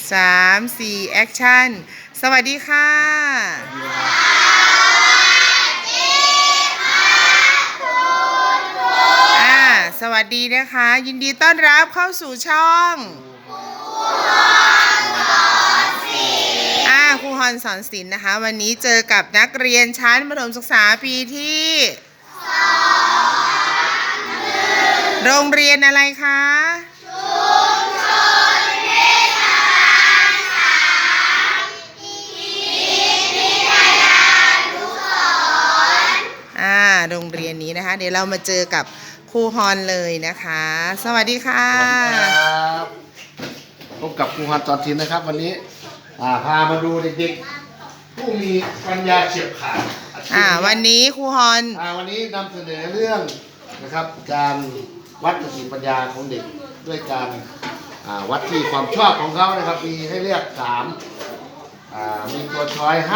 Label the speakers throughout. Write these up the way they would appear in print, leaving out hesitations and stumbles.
Speaker 1: 3 4แอคชั่นสวัสดีค่ะสวัสดีนะคะยินดีต้อนรับเข้าสู่ช่องครูฮอนสอนศิลป์นะคะวันนี้เจอกับนักเรียนชั้นประถมศึกษาปีที่โรงเรียนอะไรคะโรงเรียนนี้นะคะเดี๋ยวเรามาเจอกับครูฮอนเลยนะคะสวัสดีค่ะ
Speaker 2: ครับพบกับครูฮอนสอนศิลป์นะครับวันนี้พามาดูเด็กๆผู้มีปัญญาเฉียบขาด
Speaker 1: วันนี้ครูฮอน
Speaker 2: วันนี้นำเสนอเรื่องนะครับการวัดสติปัญญาของเด็กด้วยการวัดที่ความชอบของเขานะครับมีให้เลือก3มีตัวช้อย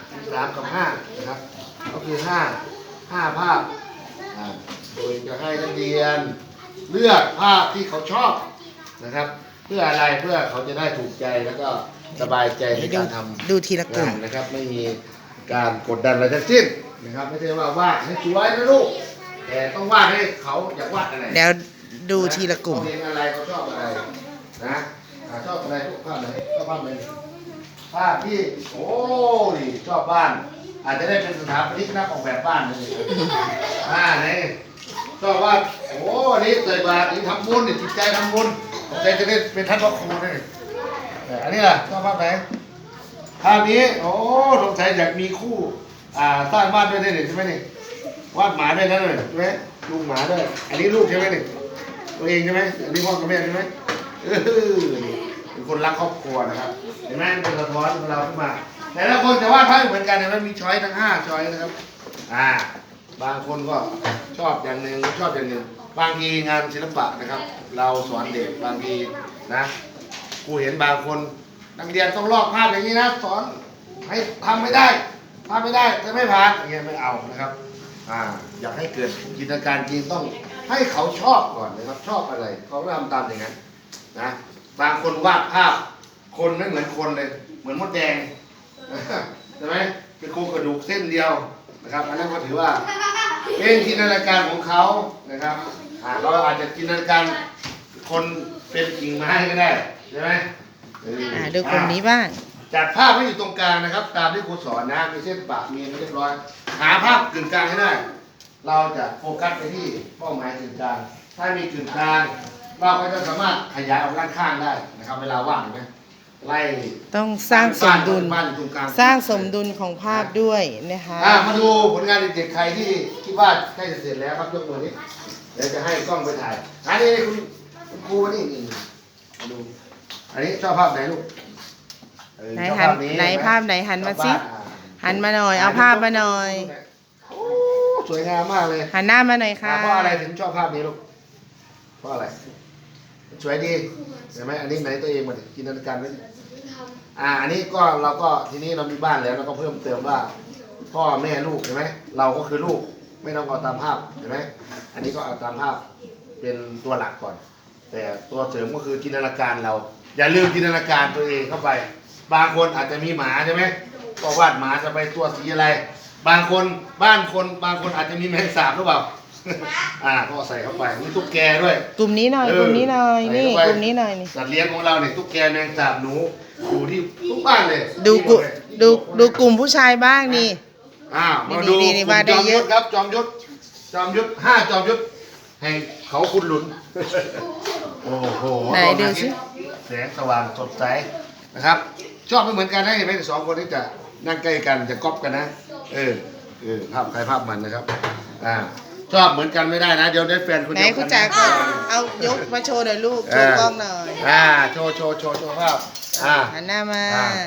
Speaker 2: 3กับ5นะครับก็คือ5ภาพโดยจะให้นักเรียนเลือกภาพที่เขาชอบนะครับเพื่ออะไรเพื่อเขาจะได้ถูกใจแล้วก็สบายใจในการทำ
Speaker 1: ดูทีละกลุ่ม
Speaker 2: นะครับไม่มีการกดดันอะไรทั้งสิ้นนะครับไม่ใช่ว่าวาดให้สวยนะลูกแต่ต้องวาดให้เขาอยากวาดอะไร
Speaker 1: เดี๋ยวดูทีละกลุ่ม
Speaker 2: เขาเห็นอะไรเขาชอบอะไรนะชอบอะไรพวกภาพไหนชอบภาพไหนภาพที่โอ้ยชอบบ้านอาจจะได้เป็นสถาปนิกนักออกแบบบ้านเลยนี่ชอบว่าโอ้นี่เกิดมาถึงทำบุญจิตใจทำบุญใจจะได้เป็นท่านพระครูนี่อันนี้ล่ะชอบภาพไหนภาพนี้โอ้สงสัยอยากมีคู่สร้างบ้านด้วยได้ใช่ไหมนี่วาดหมาด้วยนั่นเลยใช่ไหมลูกหมาด้วยอันนี้ลูกใช่ไหมนี่ตัวเองใช่ไหมอันนี้พ่อกับแม่ใช่ไหมเป็นคนรักครอบครัวนะครับเห็นไหมเป็นสะท้อนของเราขึ้นมาแต่ละคนจะวาดภาพเหมือนกันนะมันมีช้อยทั้ง5ช้อยนะครับบางคนก็ชอบอย่างหนึ่งชอบอย่างหนึ่งบางทีงานศิลปะนะครับเราสอนเด็กบางทีนะครูเห็นบางคนนักเรียนต้องลอกภาพอย่างนี้นะสอนให้ทำไม่ได้ภาพไม่ได้จะไม่ผ่านอย่างเงี้ยไม่เอานะครับอยากให้เกิดจินตนาการจริงต้องให้เขาชอบก่อนนะครับชอบอะไรเขาทำตามอย่างนั้นนะบางคนวาดภาพคนไม่เหมือนคนเลยเหมือนมดแดงใช่ไหมเป็นโครงกระดูกเส้นเดียวนะครับอันนั้นก็ถือว่าเป็นจินตนาการของเขานะครับเราอาจจะจินตนาการคนเป็นกิ่งไม้ก็ได้ใช่ไหม
Speaker 1: ดูกลุ่มนี้บ้าง
Speaker 2: จัดภาพให้อยู่ตรงกลางนะครับตามที่ครูสอนนะมีเส้นปะมีเรียบร้อยหาภาพกึ่งกลางให้ได้เราจะโฟกัสไปที่เป้าหมายกึ่งกลางถ้ามีกึ่งกลางเราก็จะสามารถขยายออกด้านข้างได้นะครับเวลาว่างไหมไล่
Speaker 1: ต้องสร้างสมดุลสร้างสมดุลของภาพด้วยนะคะ
Speaker 2: มาดูผลงานเด็กๆใครที่คิดว่าใกล้จะเสร็จแล้วครับยกมือนี้เดี๋ยวจะให้กล้องไปถ่ายอันนี้คุณครูนี่มาดูอันนี้ชอบภาพไหนลูก
Speaker 1: ไหนหันไหนภาพไหนหันมาสิหันมาหน่อยเอาภาพมาหน่อย
Speaker 2: โอ้สวยงามมากเลย
Speaker 1: หันหน้ามาหน่อยค่ะ
Speaker 2: เพราะอะไรถึงชอบภาพนี้ลูกเพราะอะไรสวยดีเห็นไหมอันนี้ไหนตัวเองมาจินตนาการไว้อันนี้ก็เราก็ทีนี้เรามีบ้านแล้วเราก็เพิ่มเติมว่าพ่อแม่ลูกเห็นไหมเราก็คือลูกไม่ต้องเอาตามภาพเห็นไหมอันนี้ก็เอาตามภาพเป็นตัวหลักก่อนแต่ตัวเสริมก็คือจินตนาการเราอย่าลืมจินตนาการตัวเองเข้าไปบางคนอาจจะมีหมาใช่ไหมก็วาดหมาจะไปตัวสีอะไรบางคนบางคนอาจจะมีแมงสาบหรือเปล่าก็ใส่เข้าไปมีตุ๊กแกด้วย
Speaker 1: กลุ่มนี้หน่อยกลุ่มนี้หน่อยนี่กลุ่มนี้หน่อยนี่
Speaker 2: สัตว์เลี้ยงของเราเนี่ยตุ๊กแกแมงสาบหนูอยู่ที่ทุกบ้านเลย
Speaker 1: ดูกลุ่มผู้ชายบ้างนี่
Speaker 2: มาดูจอมยุทธครับจอมยุทธ5จอมยุทธแห่งเขาคุณหลุนโอ้โห
Speaker 1: ไหนดูสิ
Speaker 2: แสงสว่างสดใสนะครับชอบไม่เหมือนกันนะเห็นไหม2คนนี้จะนั่งใกล้กันจะก๊อปกันนะภาพใครภาพมันนะครับชอบเหมือนกันไม่ได้นะเดี๋ยวได้แฟนคนเดียวกัน
Speaker 1: ไหนคุณจ๋าก็เอายกมาโชว์หน่อยลูกโชว์กล้องหน่อย
Speaker 2: โชว์ภาพ
Speaker 1: หันหน้ามา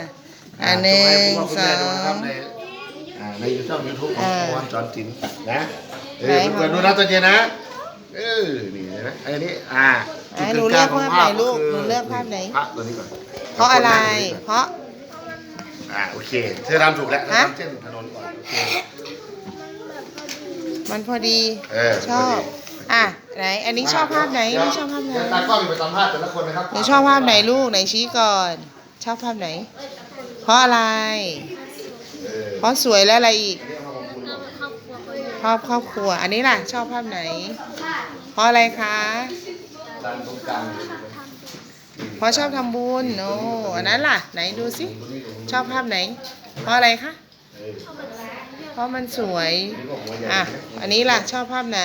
Speaker 1: 1 2
Speaker 2: ในYouTube ของครูสอนศิลป์นะเปิดดูนะตัวเจนะนี่นะอันนี้
Speaker 1: หนูเลือกภาพไหนลูกหนูเลือกภาพไหน
Speaker 2: ภาพตัวนี้ก่อน
Speaker 1: เพราะอะไรเพราะ
Speaker 2: โอเคเธอทำถูกแล้วทำเส้นถนนก่อนโอเค
Speaker 1: มันพอดีชอบไหนอันนี้ชอบภาพไหนนี่ชอบภาพไหน
Speaker 2: ตากล้องไปสัมภาษณ์แต่ละคนนะครับ
Speaker 1: หนูชอบภาพไหนลูกไหนชี้ก่อนชอบภาพไหน เพราะอะไร เพราะสวยแล้วอะไรอีก ชอบครอบครัว อันนี้ล่ะ ชอบภาพไหน เพราะอะไรคะ
Speaker 2: ด้านตรงกลาง
Speaker 1: เพราะชอบทำบุญโอ้อันนั้นล่ะ ไหนดูสิ ชอบภาพไหน เพราะอะไรคะ เพราะมันสวย อ่ะ อันนี้ล่ะ ชอบภาพไหน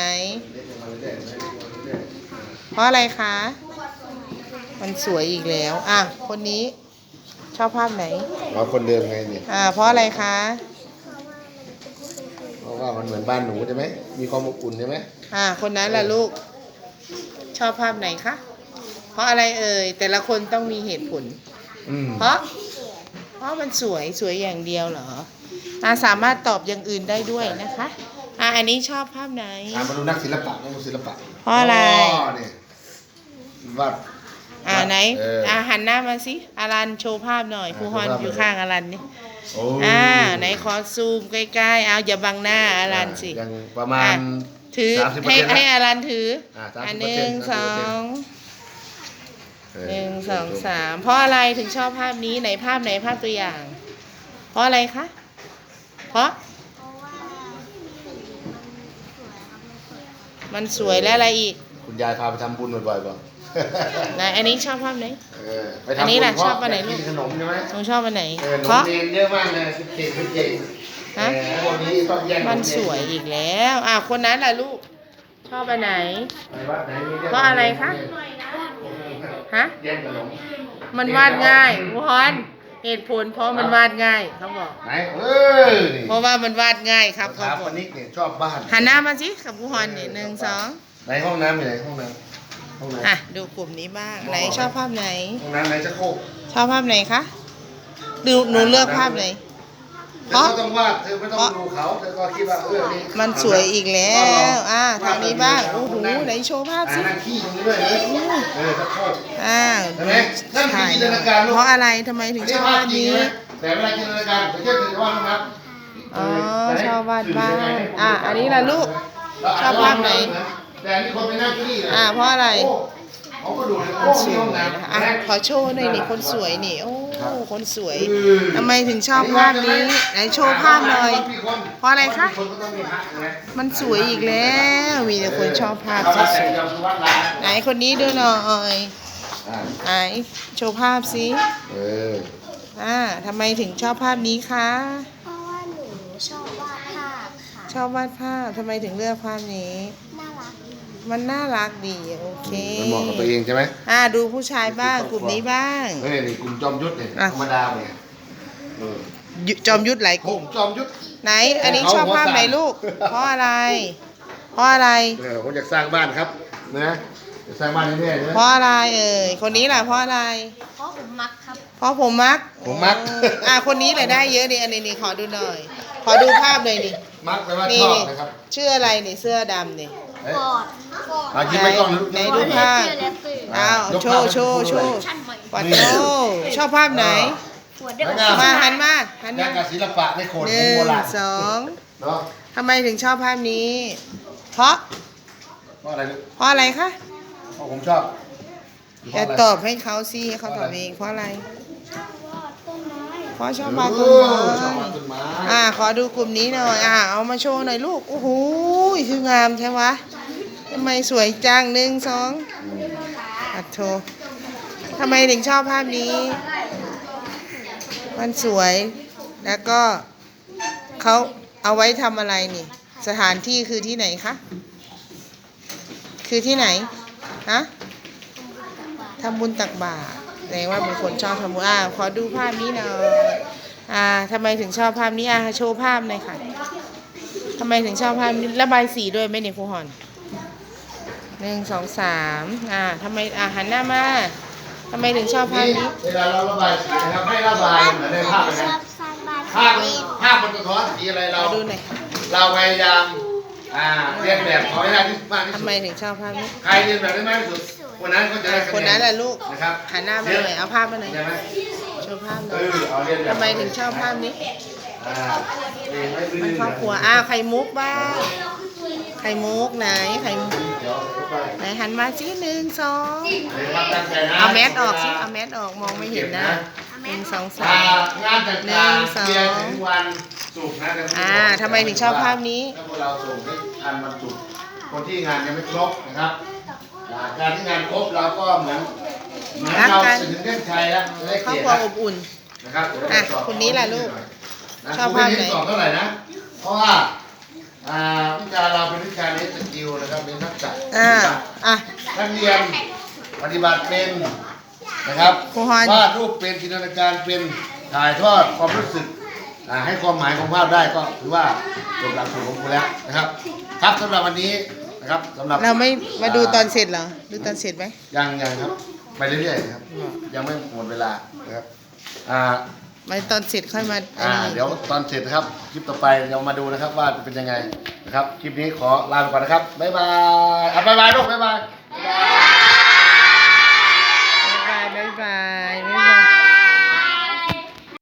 Speaker 1: เพราะอะไรคะ มันสวยอีกแล้ว อ่ะ คนนี้ชอบภาพไหน
Speaker 2: เราคนเดิมไงเนี่ย
Speaker 1: เพราะอะไรคะ
Speaker 2: เพราะว่ามันเหมือนบ้านหนูใช่ไหมมีความอบอุ่นใช่ไหม
Speaker 1: คนนั้นล่ะลูก ชอบภาพไหนคะ เพราะอะไรเอ่ย แต่ละคนต้องมีเหตุผล เพราะมันสวยอย่างเดียวเหรอ สามารถตอบอย่างอื่นได้ด้วยนะคะ อันนี้ชอบภาพไหน
Speaker 2: มาดูนักศิลปะนักศิลปะ
Speaker 1: เพราะอะไร
Speaker 2: เนี่ยวาด
Speaker 1: ไหน หันหน้ามาสิอารันโชว์ภาพหน่อยครูฮอนอยู่ข้างอารันนี่
Speaker 2: โอ้
Speaker 1: ไหนขอซูมใกล้ๆ เอาอย่าบังหน้าอารันสิ
Speaker 2: ยังประมาณ
Speaker 1: ถือ
Speaker 2: 30%
Speaker 1: ให้อารันถือ
Speaker 2: 30%
Speaker 1: หนึ่งสอง
Speaker 2: เออ
Speaker 1: หนึ่งสองสามเพราะอะไรถึงชอบภาพนี้ไหนภาพไหนภาพตัวอย่าง เพราะอะไรคะ เพราะมันสวยและอะไรอีก
Speaker 2: คุณยายพาไปทำบุญบ่อยๆป่ะ
Speaker 1: ไหนอันนี้ชอบภาพไหน
Speaker 2: ไปทำบุญ
Speaker 1: อันนี้ล่ะ
Speaker 2: เพรา
Speaker 1: ชอบอันไหนลูก
Speaker 2: กินขนมใช่ไหม
Speaker 1: หนูชอบอันไหน
Speaker 2: ขน
Speaker 1: เพ
Speaker 2: ม
Speaker 1: ราะ
Speaker 2: เรียนเยอะมากเลยเก่งเป็นเก่ง
Speaker 1: ฮะ
Speaker 2: วันนี้ต้องแย่ง
Speaker 1: มันสวยอีกแล้ว คนนั้นล่ะลูก ชอบอันไหน
Speaker 2: ไปวัดไหนมี
Speaker 1: เพราะอะไรคะ ฮะ
Speaker 2: แย่งขนม
Speaker 1: มันวาดง่ายครูฮอนเหตุผลเพราะมันวาดง่ายเขาบอก
Speaker 2: ไหนนี่
Speaker 1: เพราะว่ามันวาดง่ายครับ
Speaker 2: ค
Speaker 1: เขา
Speaker 2: รับ
Speaker 1: บอ
Speaker 2: วั
Speaker 1: ก
Speaker 2: นนี้เนี่ยชอบบ้าน
Speaker 1: หันหน้ามาสิกับครูฮอนนี่หนึ่งสอง
Speaker 2: ไหนห้องน้ำอยู่ไหนห้องน้ำห้องน้ำ
Speaker 1: ดูกลุ่มนี้บ้างไหนชอบภาพไหน
Speaker 2: ห้องน้ำไหนจะโคก
Speaker 1: ชอบภาพไหนคะหนูเลือกภาพไหน
Speaker 2: เธอก็ต้องวาดเธอไม่ต้องดูเขาเธอก็คิดว่านี่
Speaker 1: มันสวยอีกแล้วทางนี้บ้างโอ้โหไหนโชว์ภาพสิ
Speaker 2: นั่งขี้ตรงนี้ด้วยนะจะโคก
Speaker 1: ใช่เพราะอะไรทำไมถึงชอบภาพนี้
Speaker 2: แต่เวลาจินตนาการผมจะถือว่านะครับ
Speaker 1: ชอบวาดบ้านอันนี้ล่ะลูก ชอบภาพไหน
Speaker 2: แต่นี่คนไปนั่งขี้
Speaker 1: เพราะอะไร
Speaker 2: เขาก็ดูใน
Speaker 1: คนส
Speaker 2: ห้
Speaker 1: ว
Speaker 2: อง
Speaker 1: ย
Speaker 2: น้
Speaker 1: นะคะขอโชว์หน่อยนี่คนสวยนี่โอ้คนสวย
Speaker 2: ำ
Speaker 1: ทำไมถึงชอบภาพนี้ไหนโชว์ภาพหน่อย เพราะอะไรคะ
Speaker 2: คนก็ต้องมีพระนะ
Speaker 1: มันสวยอีกแล้ว มีแต่คนชอบภาพสวยๆไหนคนนี้ดูหน่อยไหนโชว์ภาพสิ ทำไมถึงชอบภาพนี้คะ
Speaker 3: เพราะว่าหนูชอบวาดภาพค่ะ
Speaker 1: ชอบวาดภาพทำไมถึงเลือกภาพนี้
Speaker 3: น่ารักดี
Speaker 1: มันน่ารักดีโอเค
Speaker 2: มันเหมาะกับตัวเองใช่ไหม
Speaker 1: ดูผู้ชายบ้างกลุ่มนี้บ้าง
Speaker 2: เฮ้ยนี่กลุ่มจอมยุทธเนี่ยธรรมดาเนี่ย
Speaker 1: จอมยุทธหลายก
Speaker 2: กลุ่
Speaker 1: ลุ่
Speaker 2: ม
Speaker 1: ม
Speaker 2: จอมยุทธ
Speaker 1: ไหน อันนี้ชอบภาพไหนลูก เพราะอะไร เพราะอะไร
Speaker 2: ผมอยากสร้างบ้านครับนะจะสร้างบ้านแน่ๆนะ
Speaker 1: เพราะอะไรคนนี้ล่ะเพราะอะไร
Speaker 3: เพราะผมมักครับ
Speaker 1: เพราะผมมัก
Speaker 2: ผมมัก
Speaker 1: คนนี้แหละได้เยอะนี่อันนี้ขอดูหน่อย ขอดูภาพเลยนี่
Speaker 2: มักแปลว่า
Speaker 1: นี่
Speaker 2: ชอบนะครับ
Speaker 1: ชื่ออะไรนี่เสื้อดำนี่
Speaker 2: เอ้ย
Speaker 3: กอด
Speaker 2: มากินไปก่อนนะลูก
Speaker 1: ไหนดูภาพ
Speaker 2: ยก
Speaker 1: โช
Speaker 2: ภาพ
Speaker 1: ว์โชว์
Speaker 2: ให้
Speaker 1: โช
Speaker 2: ดู
Speaker 1: ว์
Speaker 3: ชั้นใหม่
Speaker 1: วัดโชว์ชอบภาพไหน
Speaker 3: หัวเด็ก
Speaker 1: มาหันมาหัน
Speaker 2: ยั
Speaker 1: มาง
Speaker 2: กับศิลปะในโขน
Speaker 1: ห
Speaker 2: ของ
Speaker 1: นึ่
Speaker 2: โบ
Speaker 1: ง
Speaker 2: ราณ
Speaker 1: สอง
Speaker 2: เนาะ
Speaker 1: ทำไมถึงชอบภาพนี้ เพราะ
Speaker 2: เพราะอะไรลูก
Speaker 1: เพราะอะไรคะ
Speaker 2: เพราะผมชอบเพ
Speaker 1: จะ
Speaker 2: ราะอะไร
Speaker 1: ตอบให้เขาสิให้เขาตอบเองเพราะอะไร
Speaker 3: ต้นไม้
Speaker 1: เพราะชอบวาดต้น
Speaker 2: ชอบ
Speaker 1: ไม้
Speaker 2: วาดต้นไม้
Speaker 1: ขอดูกลุ่มนี้หน่อยเอามาโชว์หน่อยลูกโอ้โหคืองามใช่ไหมทำไมสวยจังหนึ่งสองอัดโชว์ทำไมถึงชอบภาพนี้ มันสวยแล้วก็เขาเอาไว้ทำอะไรนี่ สถานที่คือที่ไหนคะคือที่ไหนฮะทำบุญตักบาตรแสดงว่าเป็นคนชอบทำบุญขอดูภาพนี้หน่อยทำไมถึงชอบภาพนี้โชว์ภาพหน่อยค่ะทำไมถึงชอบภาพนี้ระบายสีด้วยไหมเนี่ยครูฮอนหนึ่งสองสามทำไมหันหน้ามาทำไมถึงชอบภาพนี้
Speaker 2: เวลาเราระบายสีนะครับให้ระบายเหมือนในภาพเลย
Speaker 3: ช
Speaker 2: นะ
Speaker 3: อบสร้างบ้าน
Speaker 2: ภาพมันสะท้อนสีอะไรเรา
Speaker 1: ขอดูหน่อยค่ะ
Speaker 2: เราพยายามเรียนแบบเขาให้ได้ที่มากที่สุ
Speaker 1: ทำ
Speaker 2: ด
Speaker 1: ไมถึงชอบภาพนี้
Speaker 2: ใครเรียนแบบได้มากที่สุดคนนั้นก็จะได้คะแนน
Speaker 1: คนนั้นแหละลูก
Speaker 2: นะครับ
Speaker 1: หันหน้ามาหน่อยเอาภาพมาหน่อย
Speaker 2: ใช่ไหม
Speaker 1: โชว์ภาพหน่
Speaker 2: เอ
Speaker 1: อย
Speaker 2: เอาเรียนแบบ
Speaker 1: ทำไมถึงชอบภาพนี้
Speaker 2: เรียนให้พื้
Speaker 1: มันครอบครัวไข่มุกบ้างไข่มุกไหนไข่มุก
Speaker 2: เดี๋ยวไป
Speaker 1: ไหนหันมาสิหนึ่งสอง
Speaker 2: เรียนความตั้งใจนะ
Speaker 1: เอาแมสออกสิเอาแมสออกมองไม่เห็นหน้า
Speaker 3: ทำไม
Speaker 1: 1 2
Speaker 2: งานต่าง
Speaker 1: หนึ่งสอง
Speaker 2: ๆเรียนถึงวันศุกร์นะแต่ไม่ได้บอก
Speaker 1: ทำไมถึงชอบภาพนี้
Speaker 2: ถ้าพวกเราส่งให้ทันวันศุกร์คนที่งานยังไม่ครบนะครับการที่งานครบเราก็เหมือนเราจะถึงเส้นชัยแล้วจะได้
Speaker 1: ครอบ
Speaker 2: เกียร
Speaker 1: ครัว
Speaker 2: ติ
Speaker 1: อบอุ่น
Speaker 2: นะครับเดี๋ยวเรา
Speaker 1: อ่ะ
Speaker 2: จะสอบ
Speaker 1: คนนี้ล่ะลูก
Speaker 2: นะ
Speaker 1: ชอบภาพไหน
Speaker 2: ครูไม่ได้สอบเท่าไหร่นะ เพราะว่าวิชาเราเป็นวิชาเน้นสกิลนะครับเน้นทักษะ
Speaker 1: อ่ะ
Speaker 2: นักเรียนปฏิบัติเป็นนะครับ
Speaker 1: ครูฮอน
Speaker 2: วาดรูปเป็นจินตนาการเป็นถ่ายทอดความรู้สึกให้ความหมายของภาพได้ก็ถือว่าจบหลักสูตรของครูแล้วนะครับ ครับสำหรับวันนี้นะครับสำหรับ
Speaker 1: เราไม่มาดูตอนเสร็จเหรอ ดูตอนเสร็จไหม
Speaker 2: ยังครับไปเรื่อยๆครับยังไม่หมดเวลานะครับอ่า
Speaker 1: มาตอนเสร็จค่อยมาอันนี้
Speaker 2: เดี๋ยวตอนเสร็จนะครับคลิปต่อไปเรามาดูนะครับว่าเป็นยังไงนะครับคลิปนี้ขอลาไปก่อนนะครับบ๊ายบายบ๊ายบายลูกบ๊ายบาย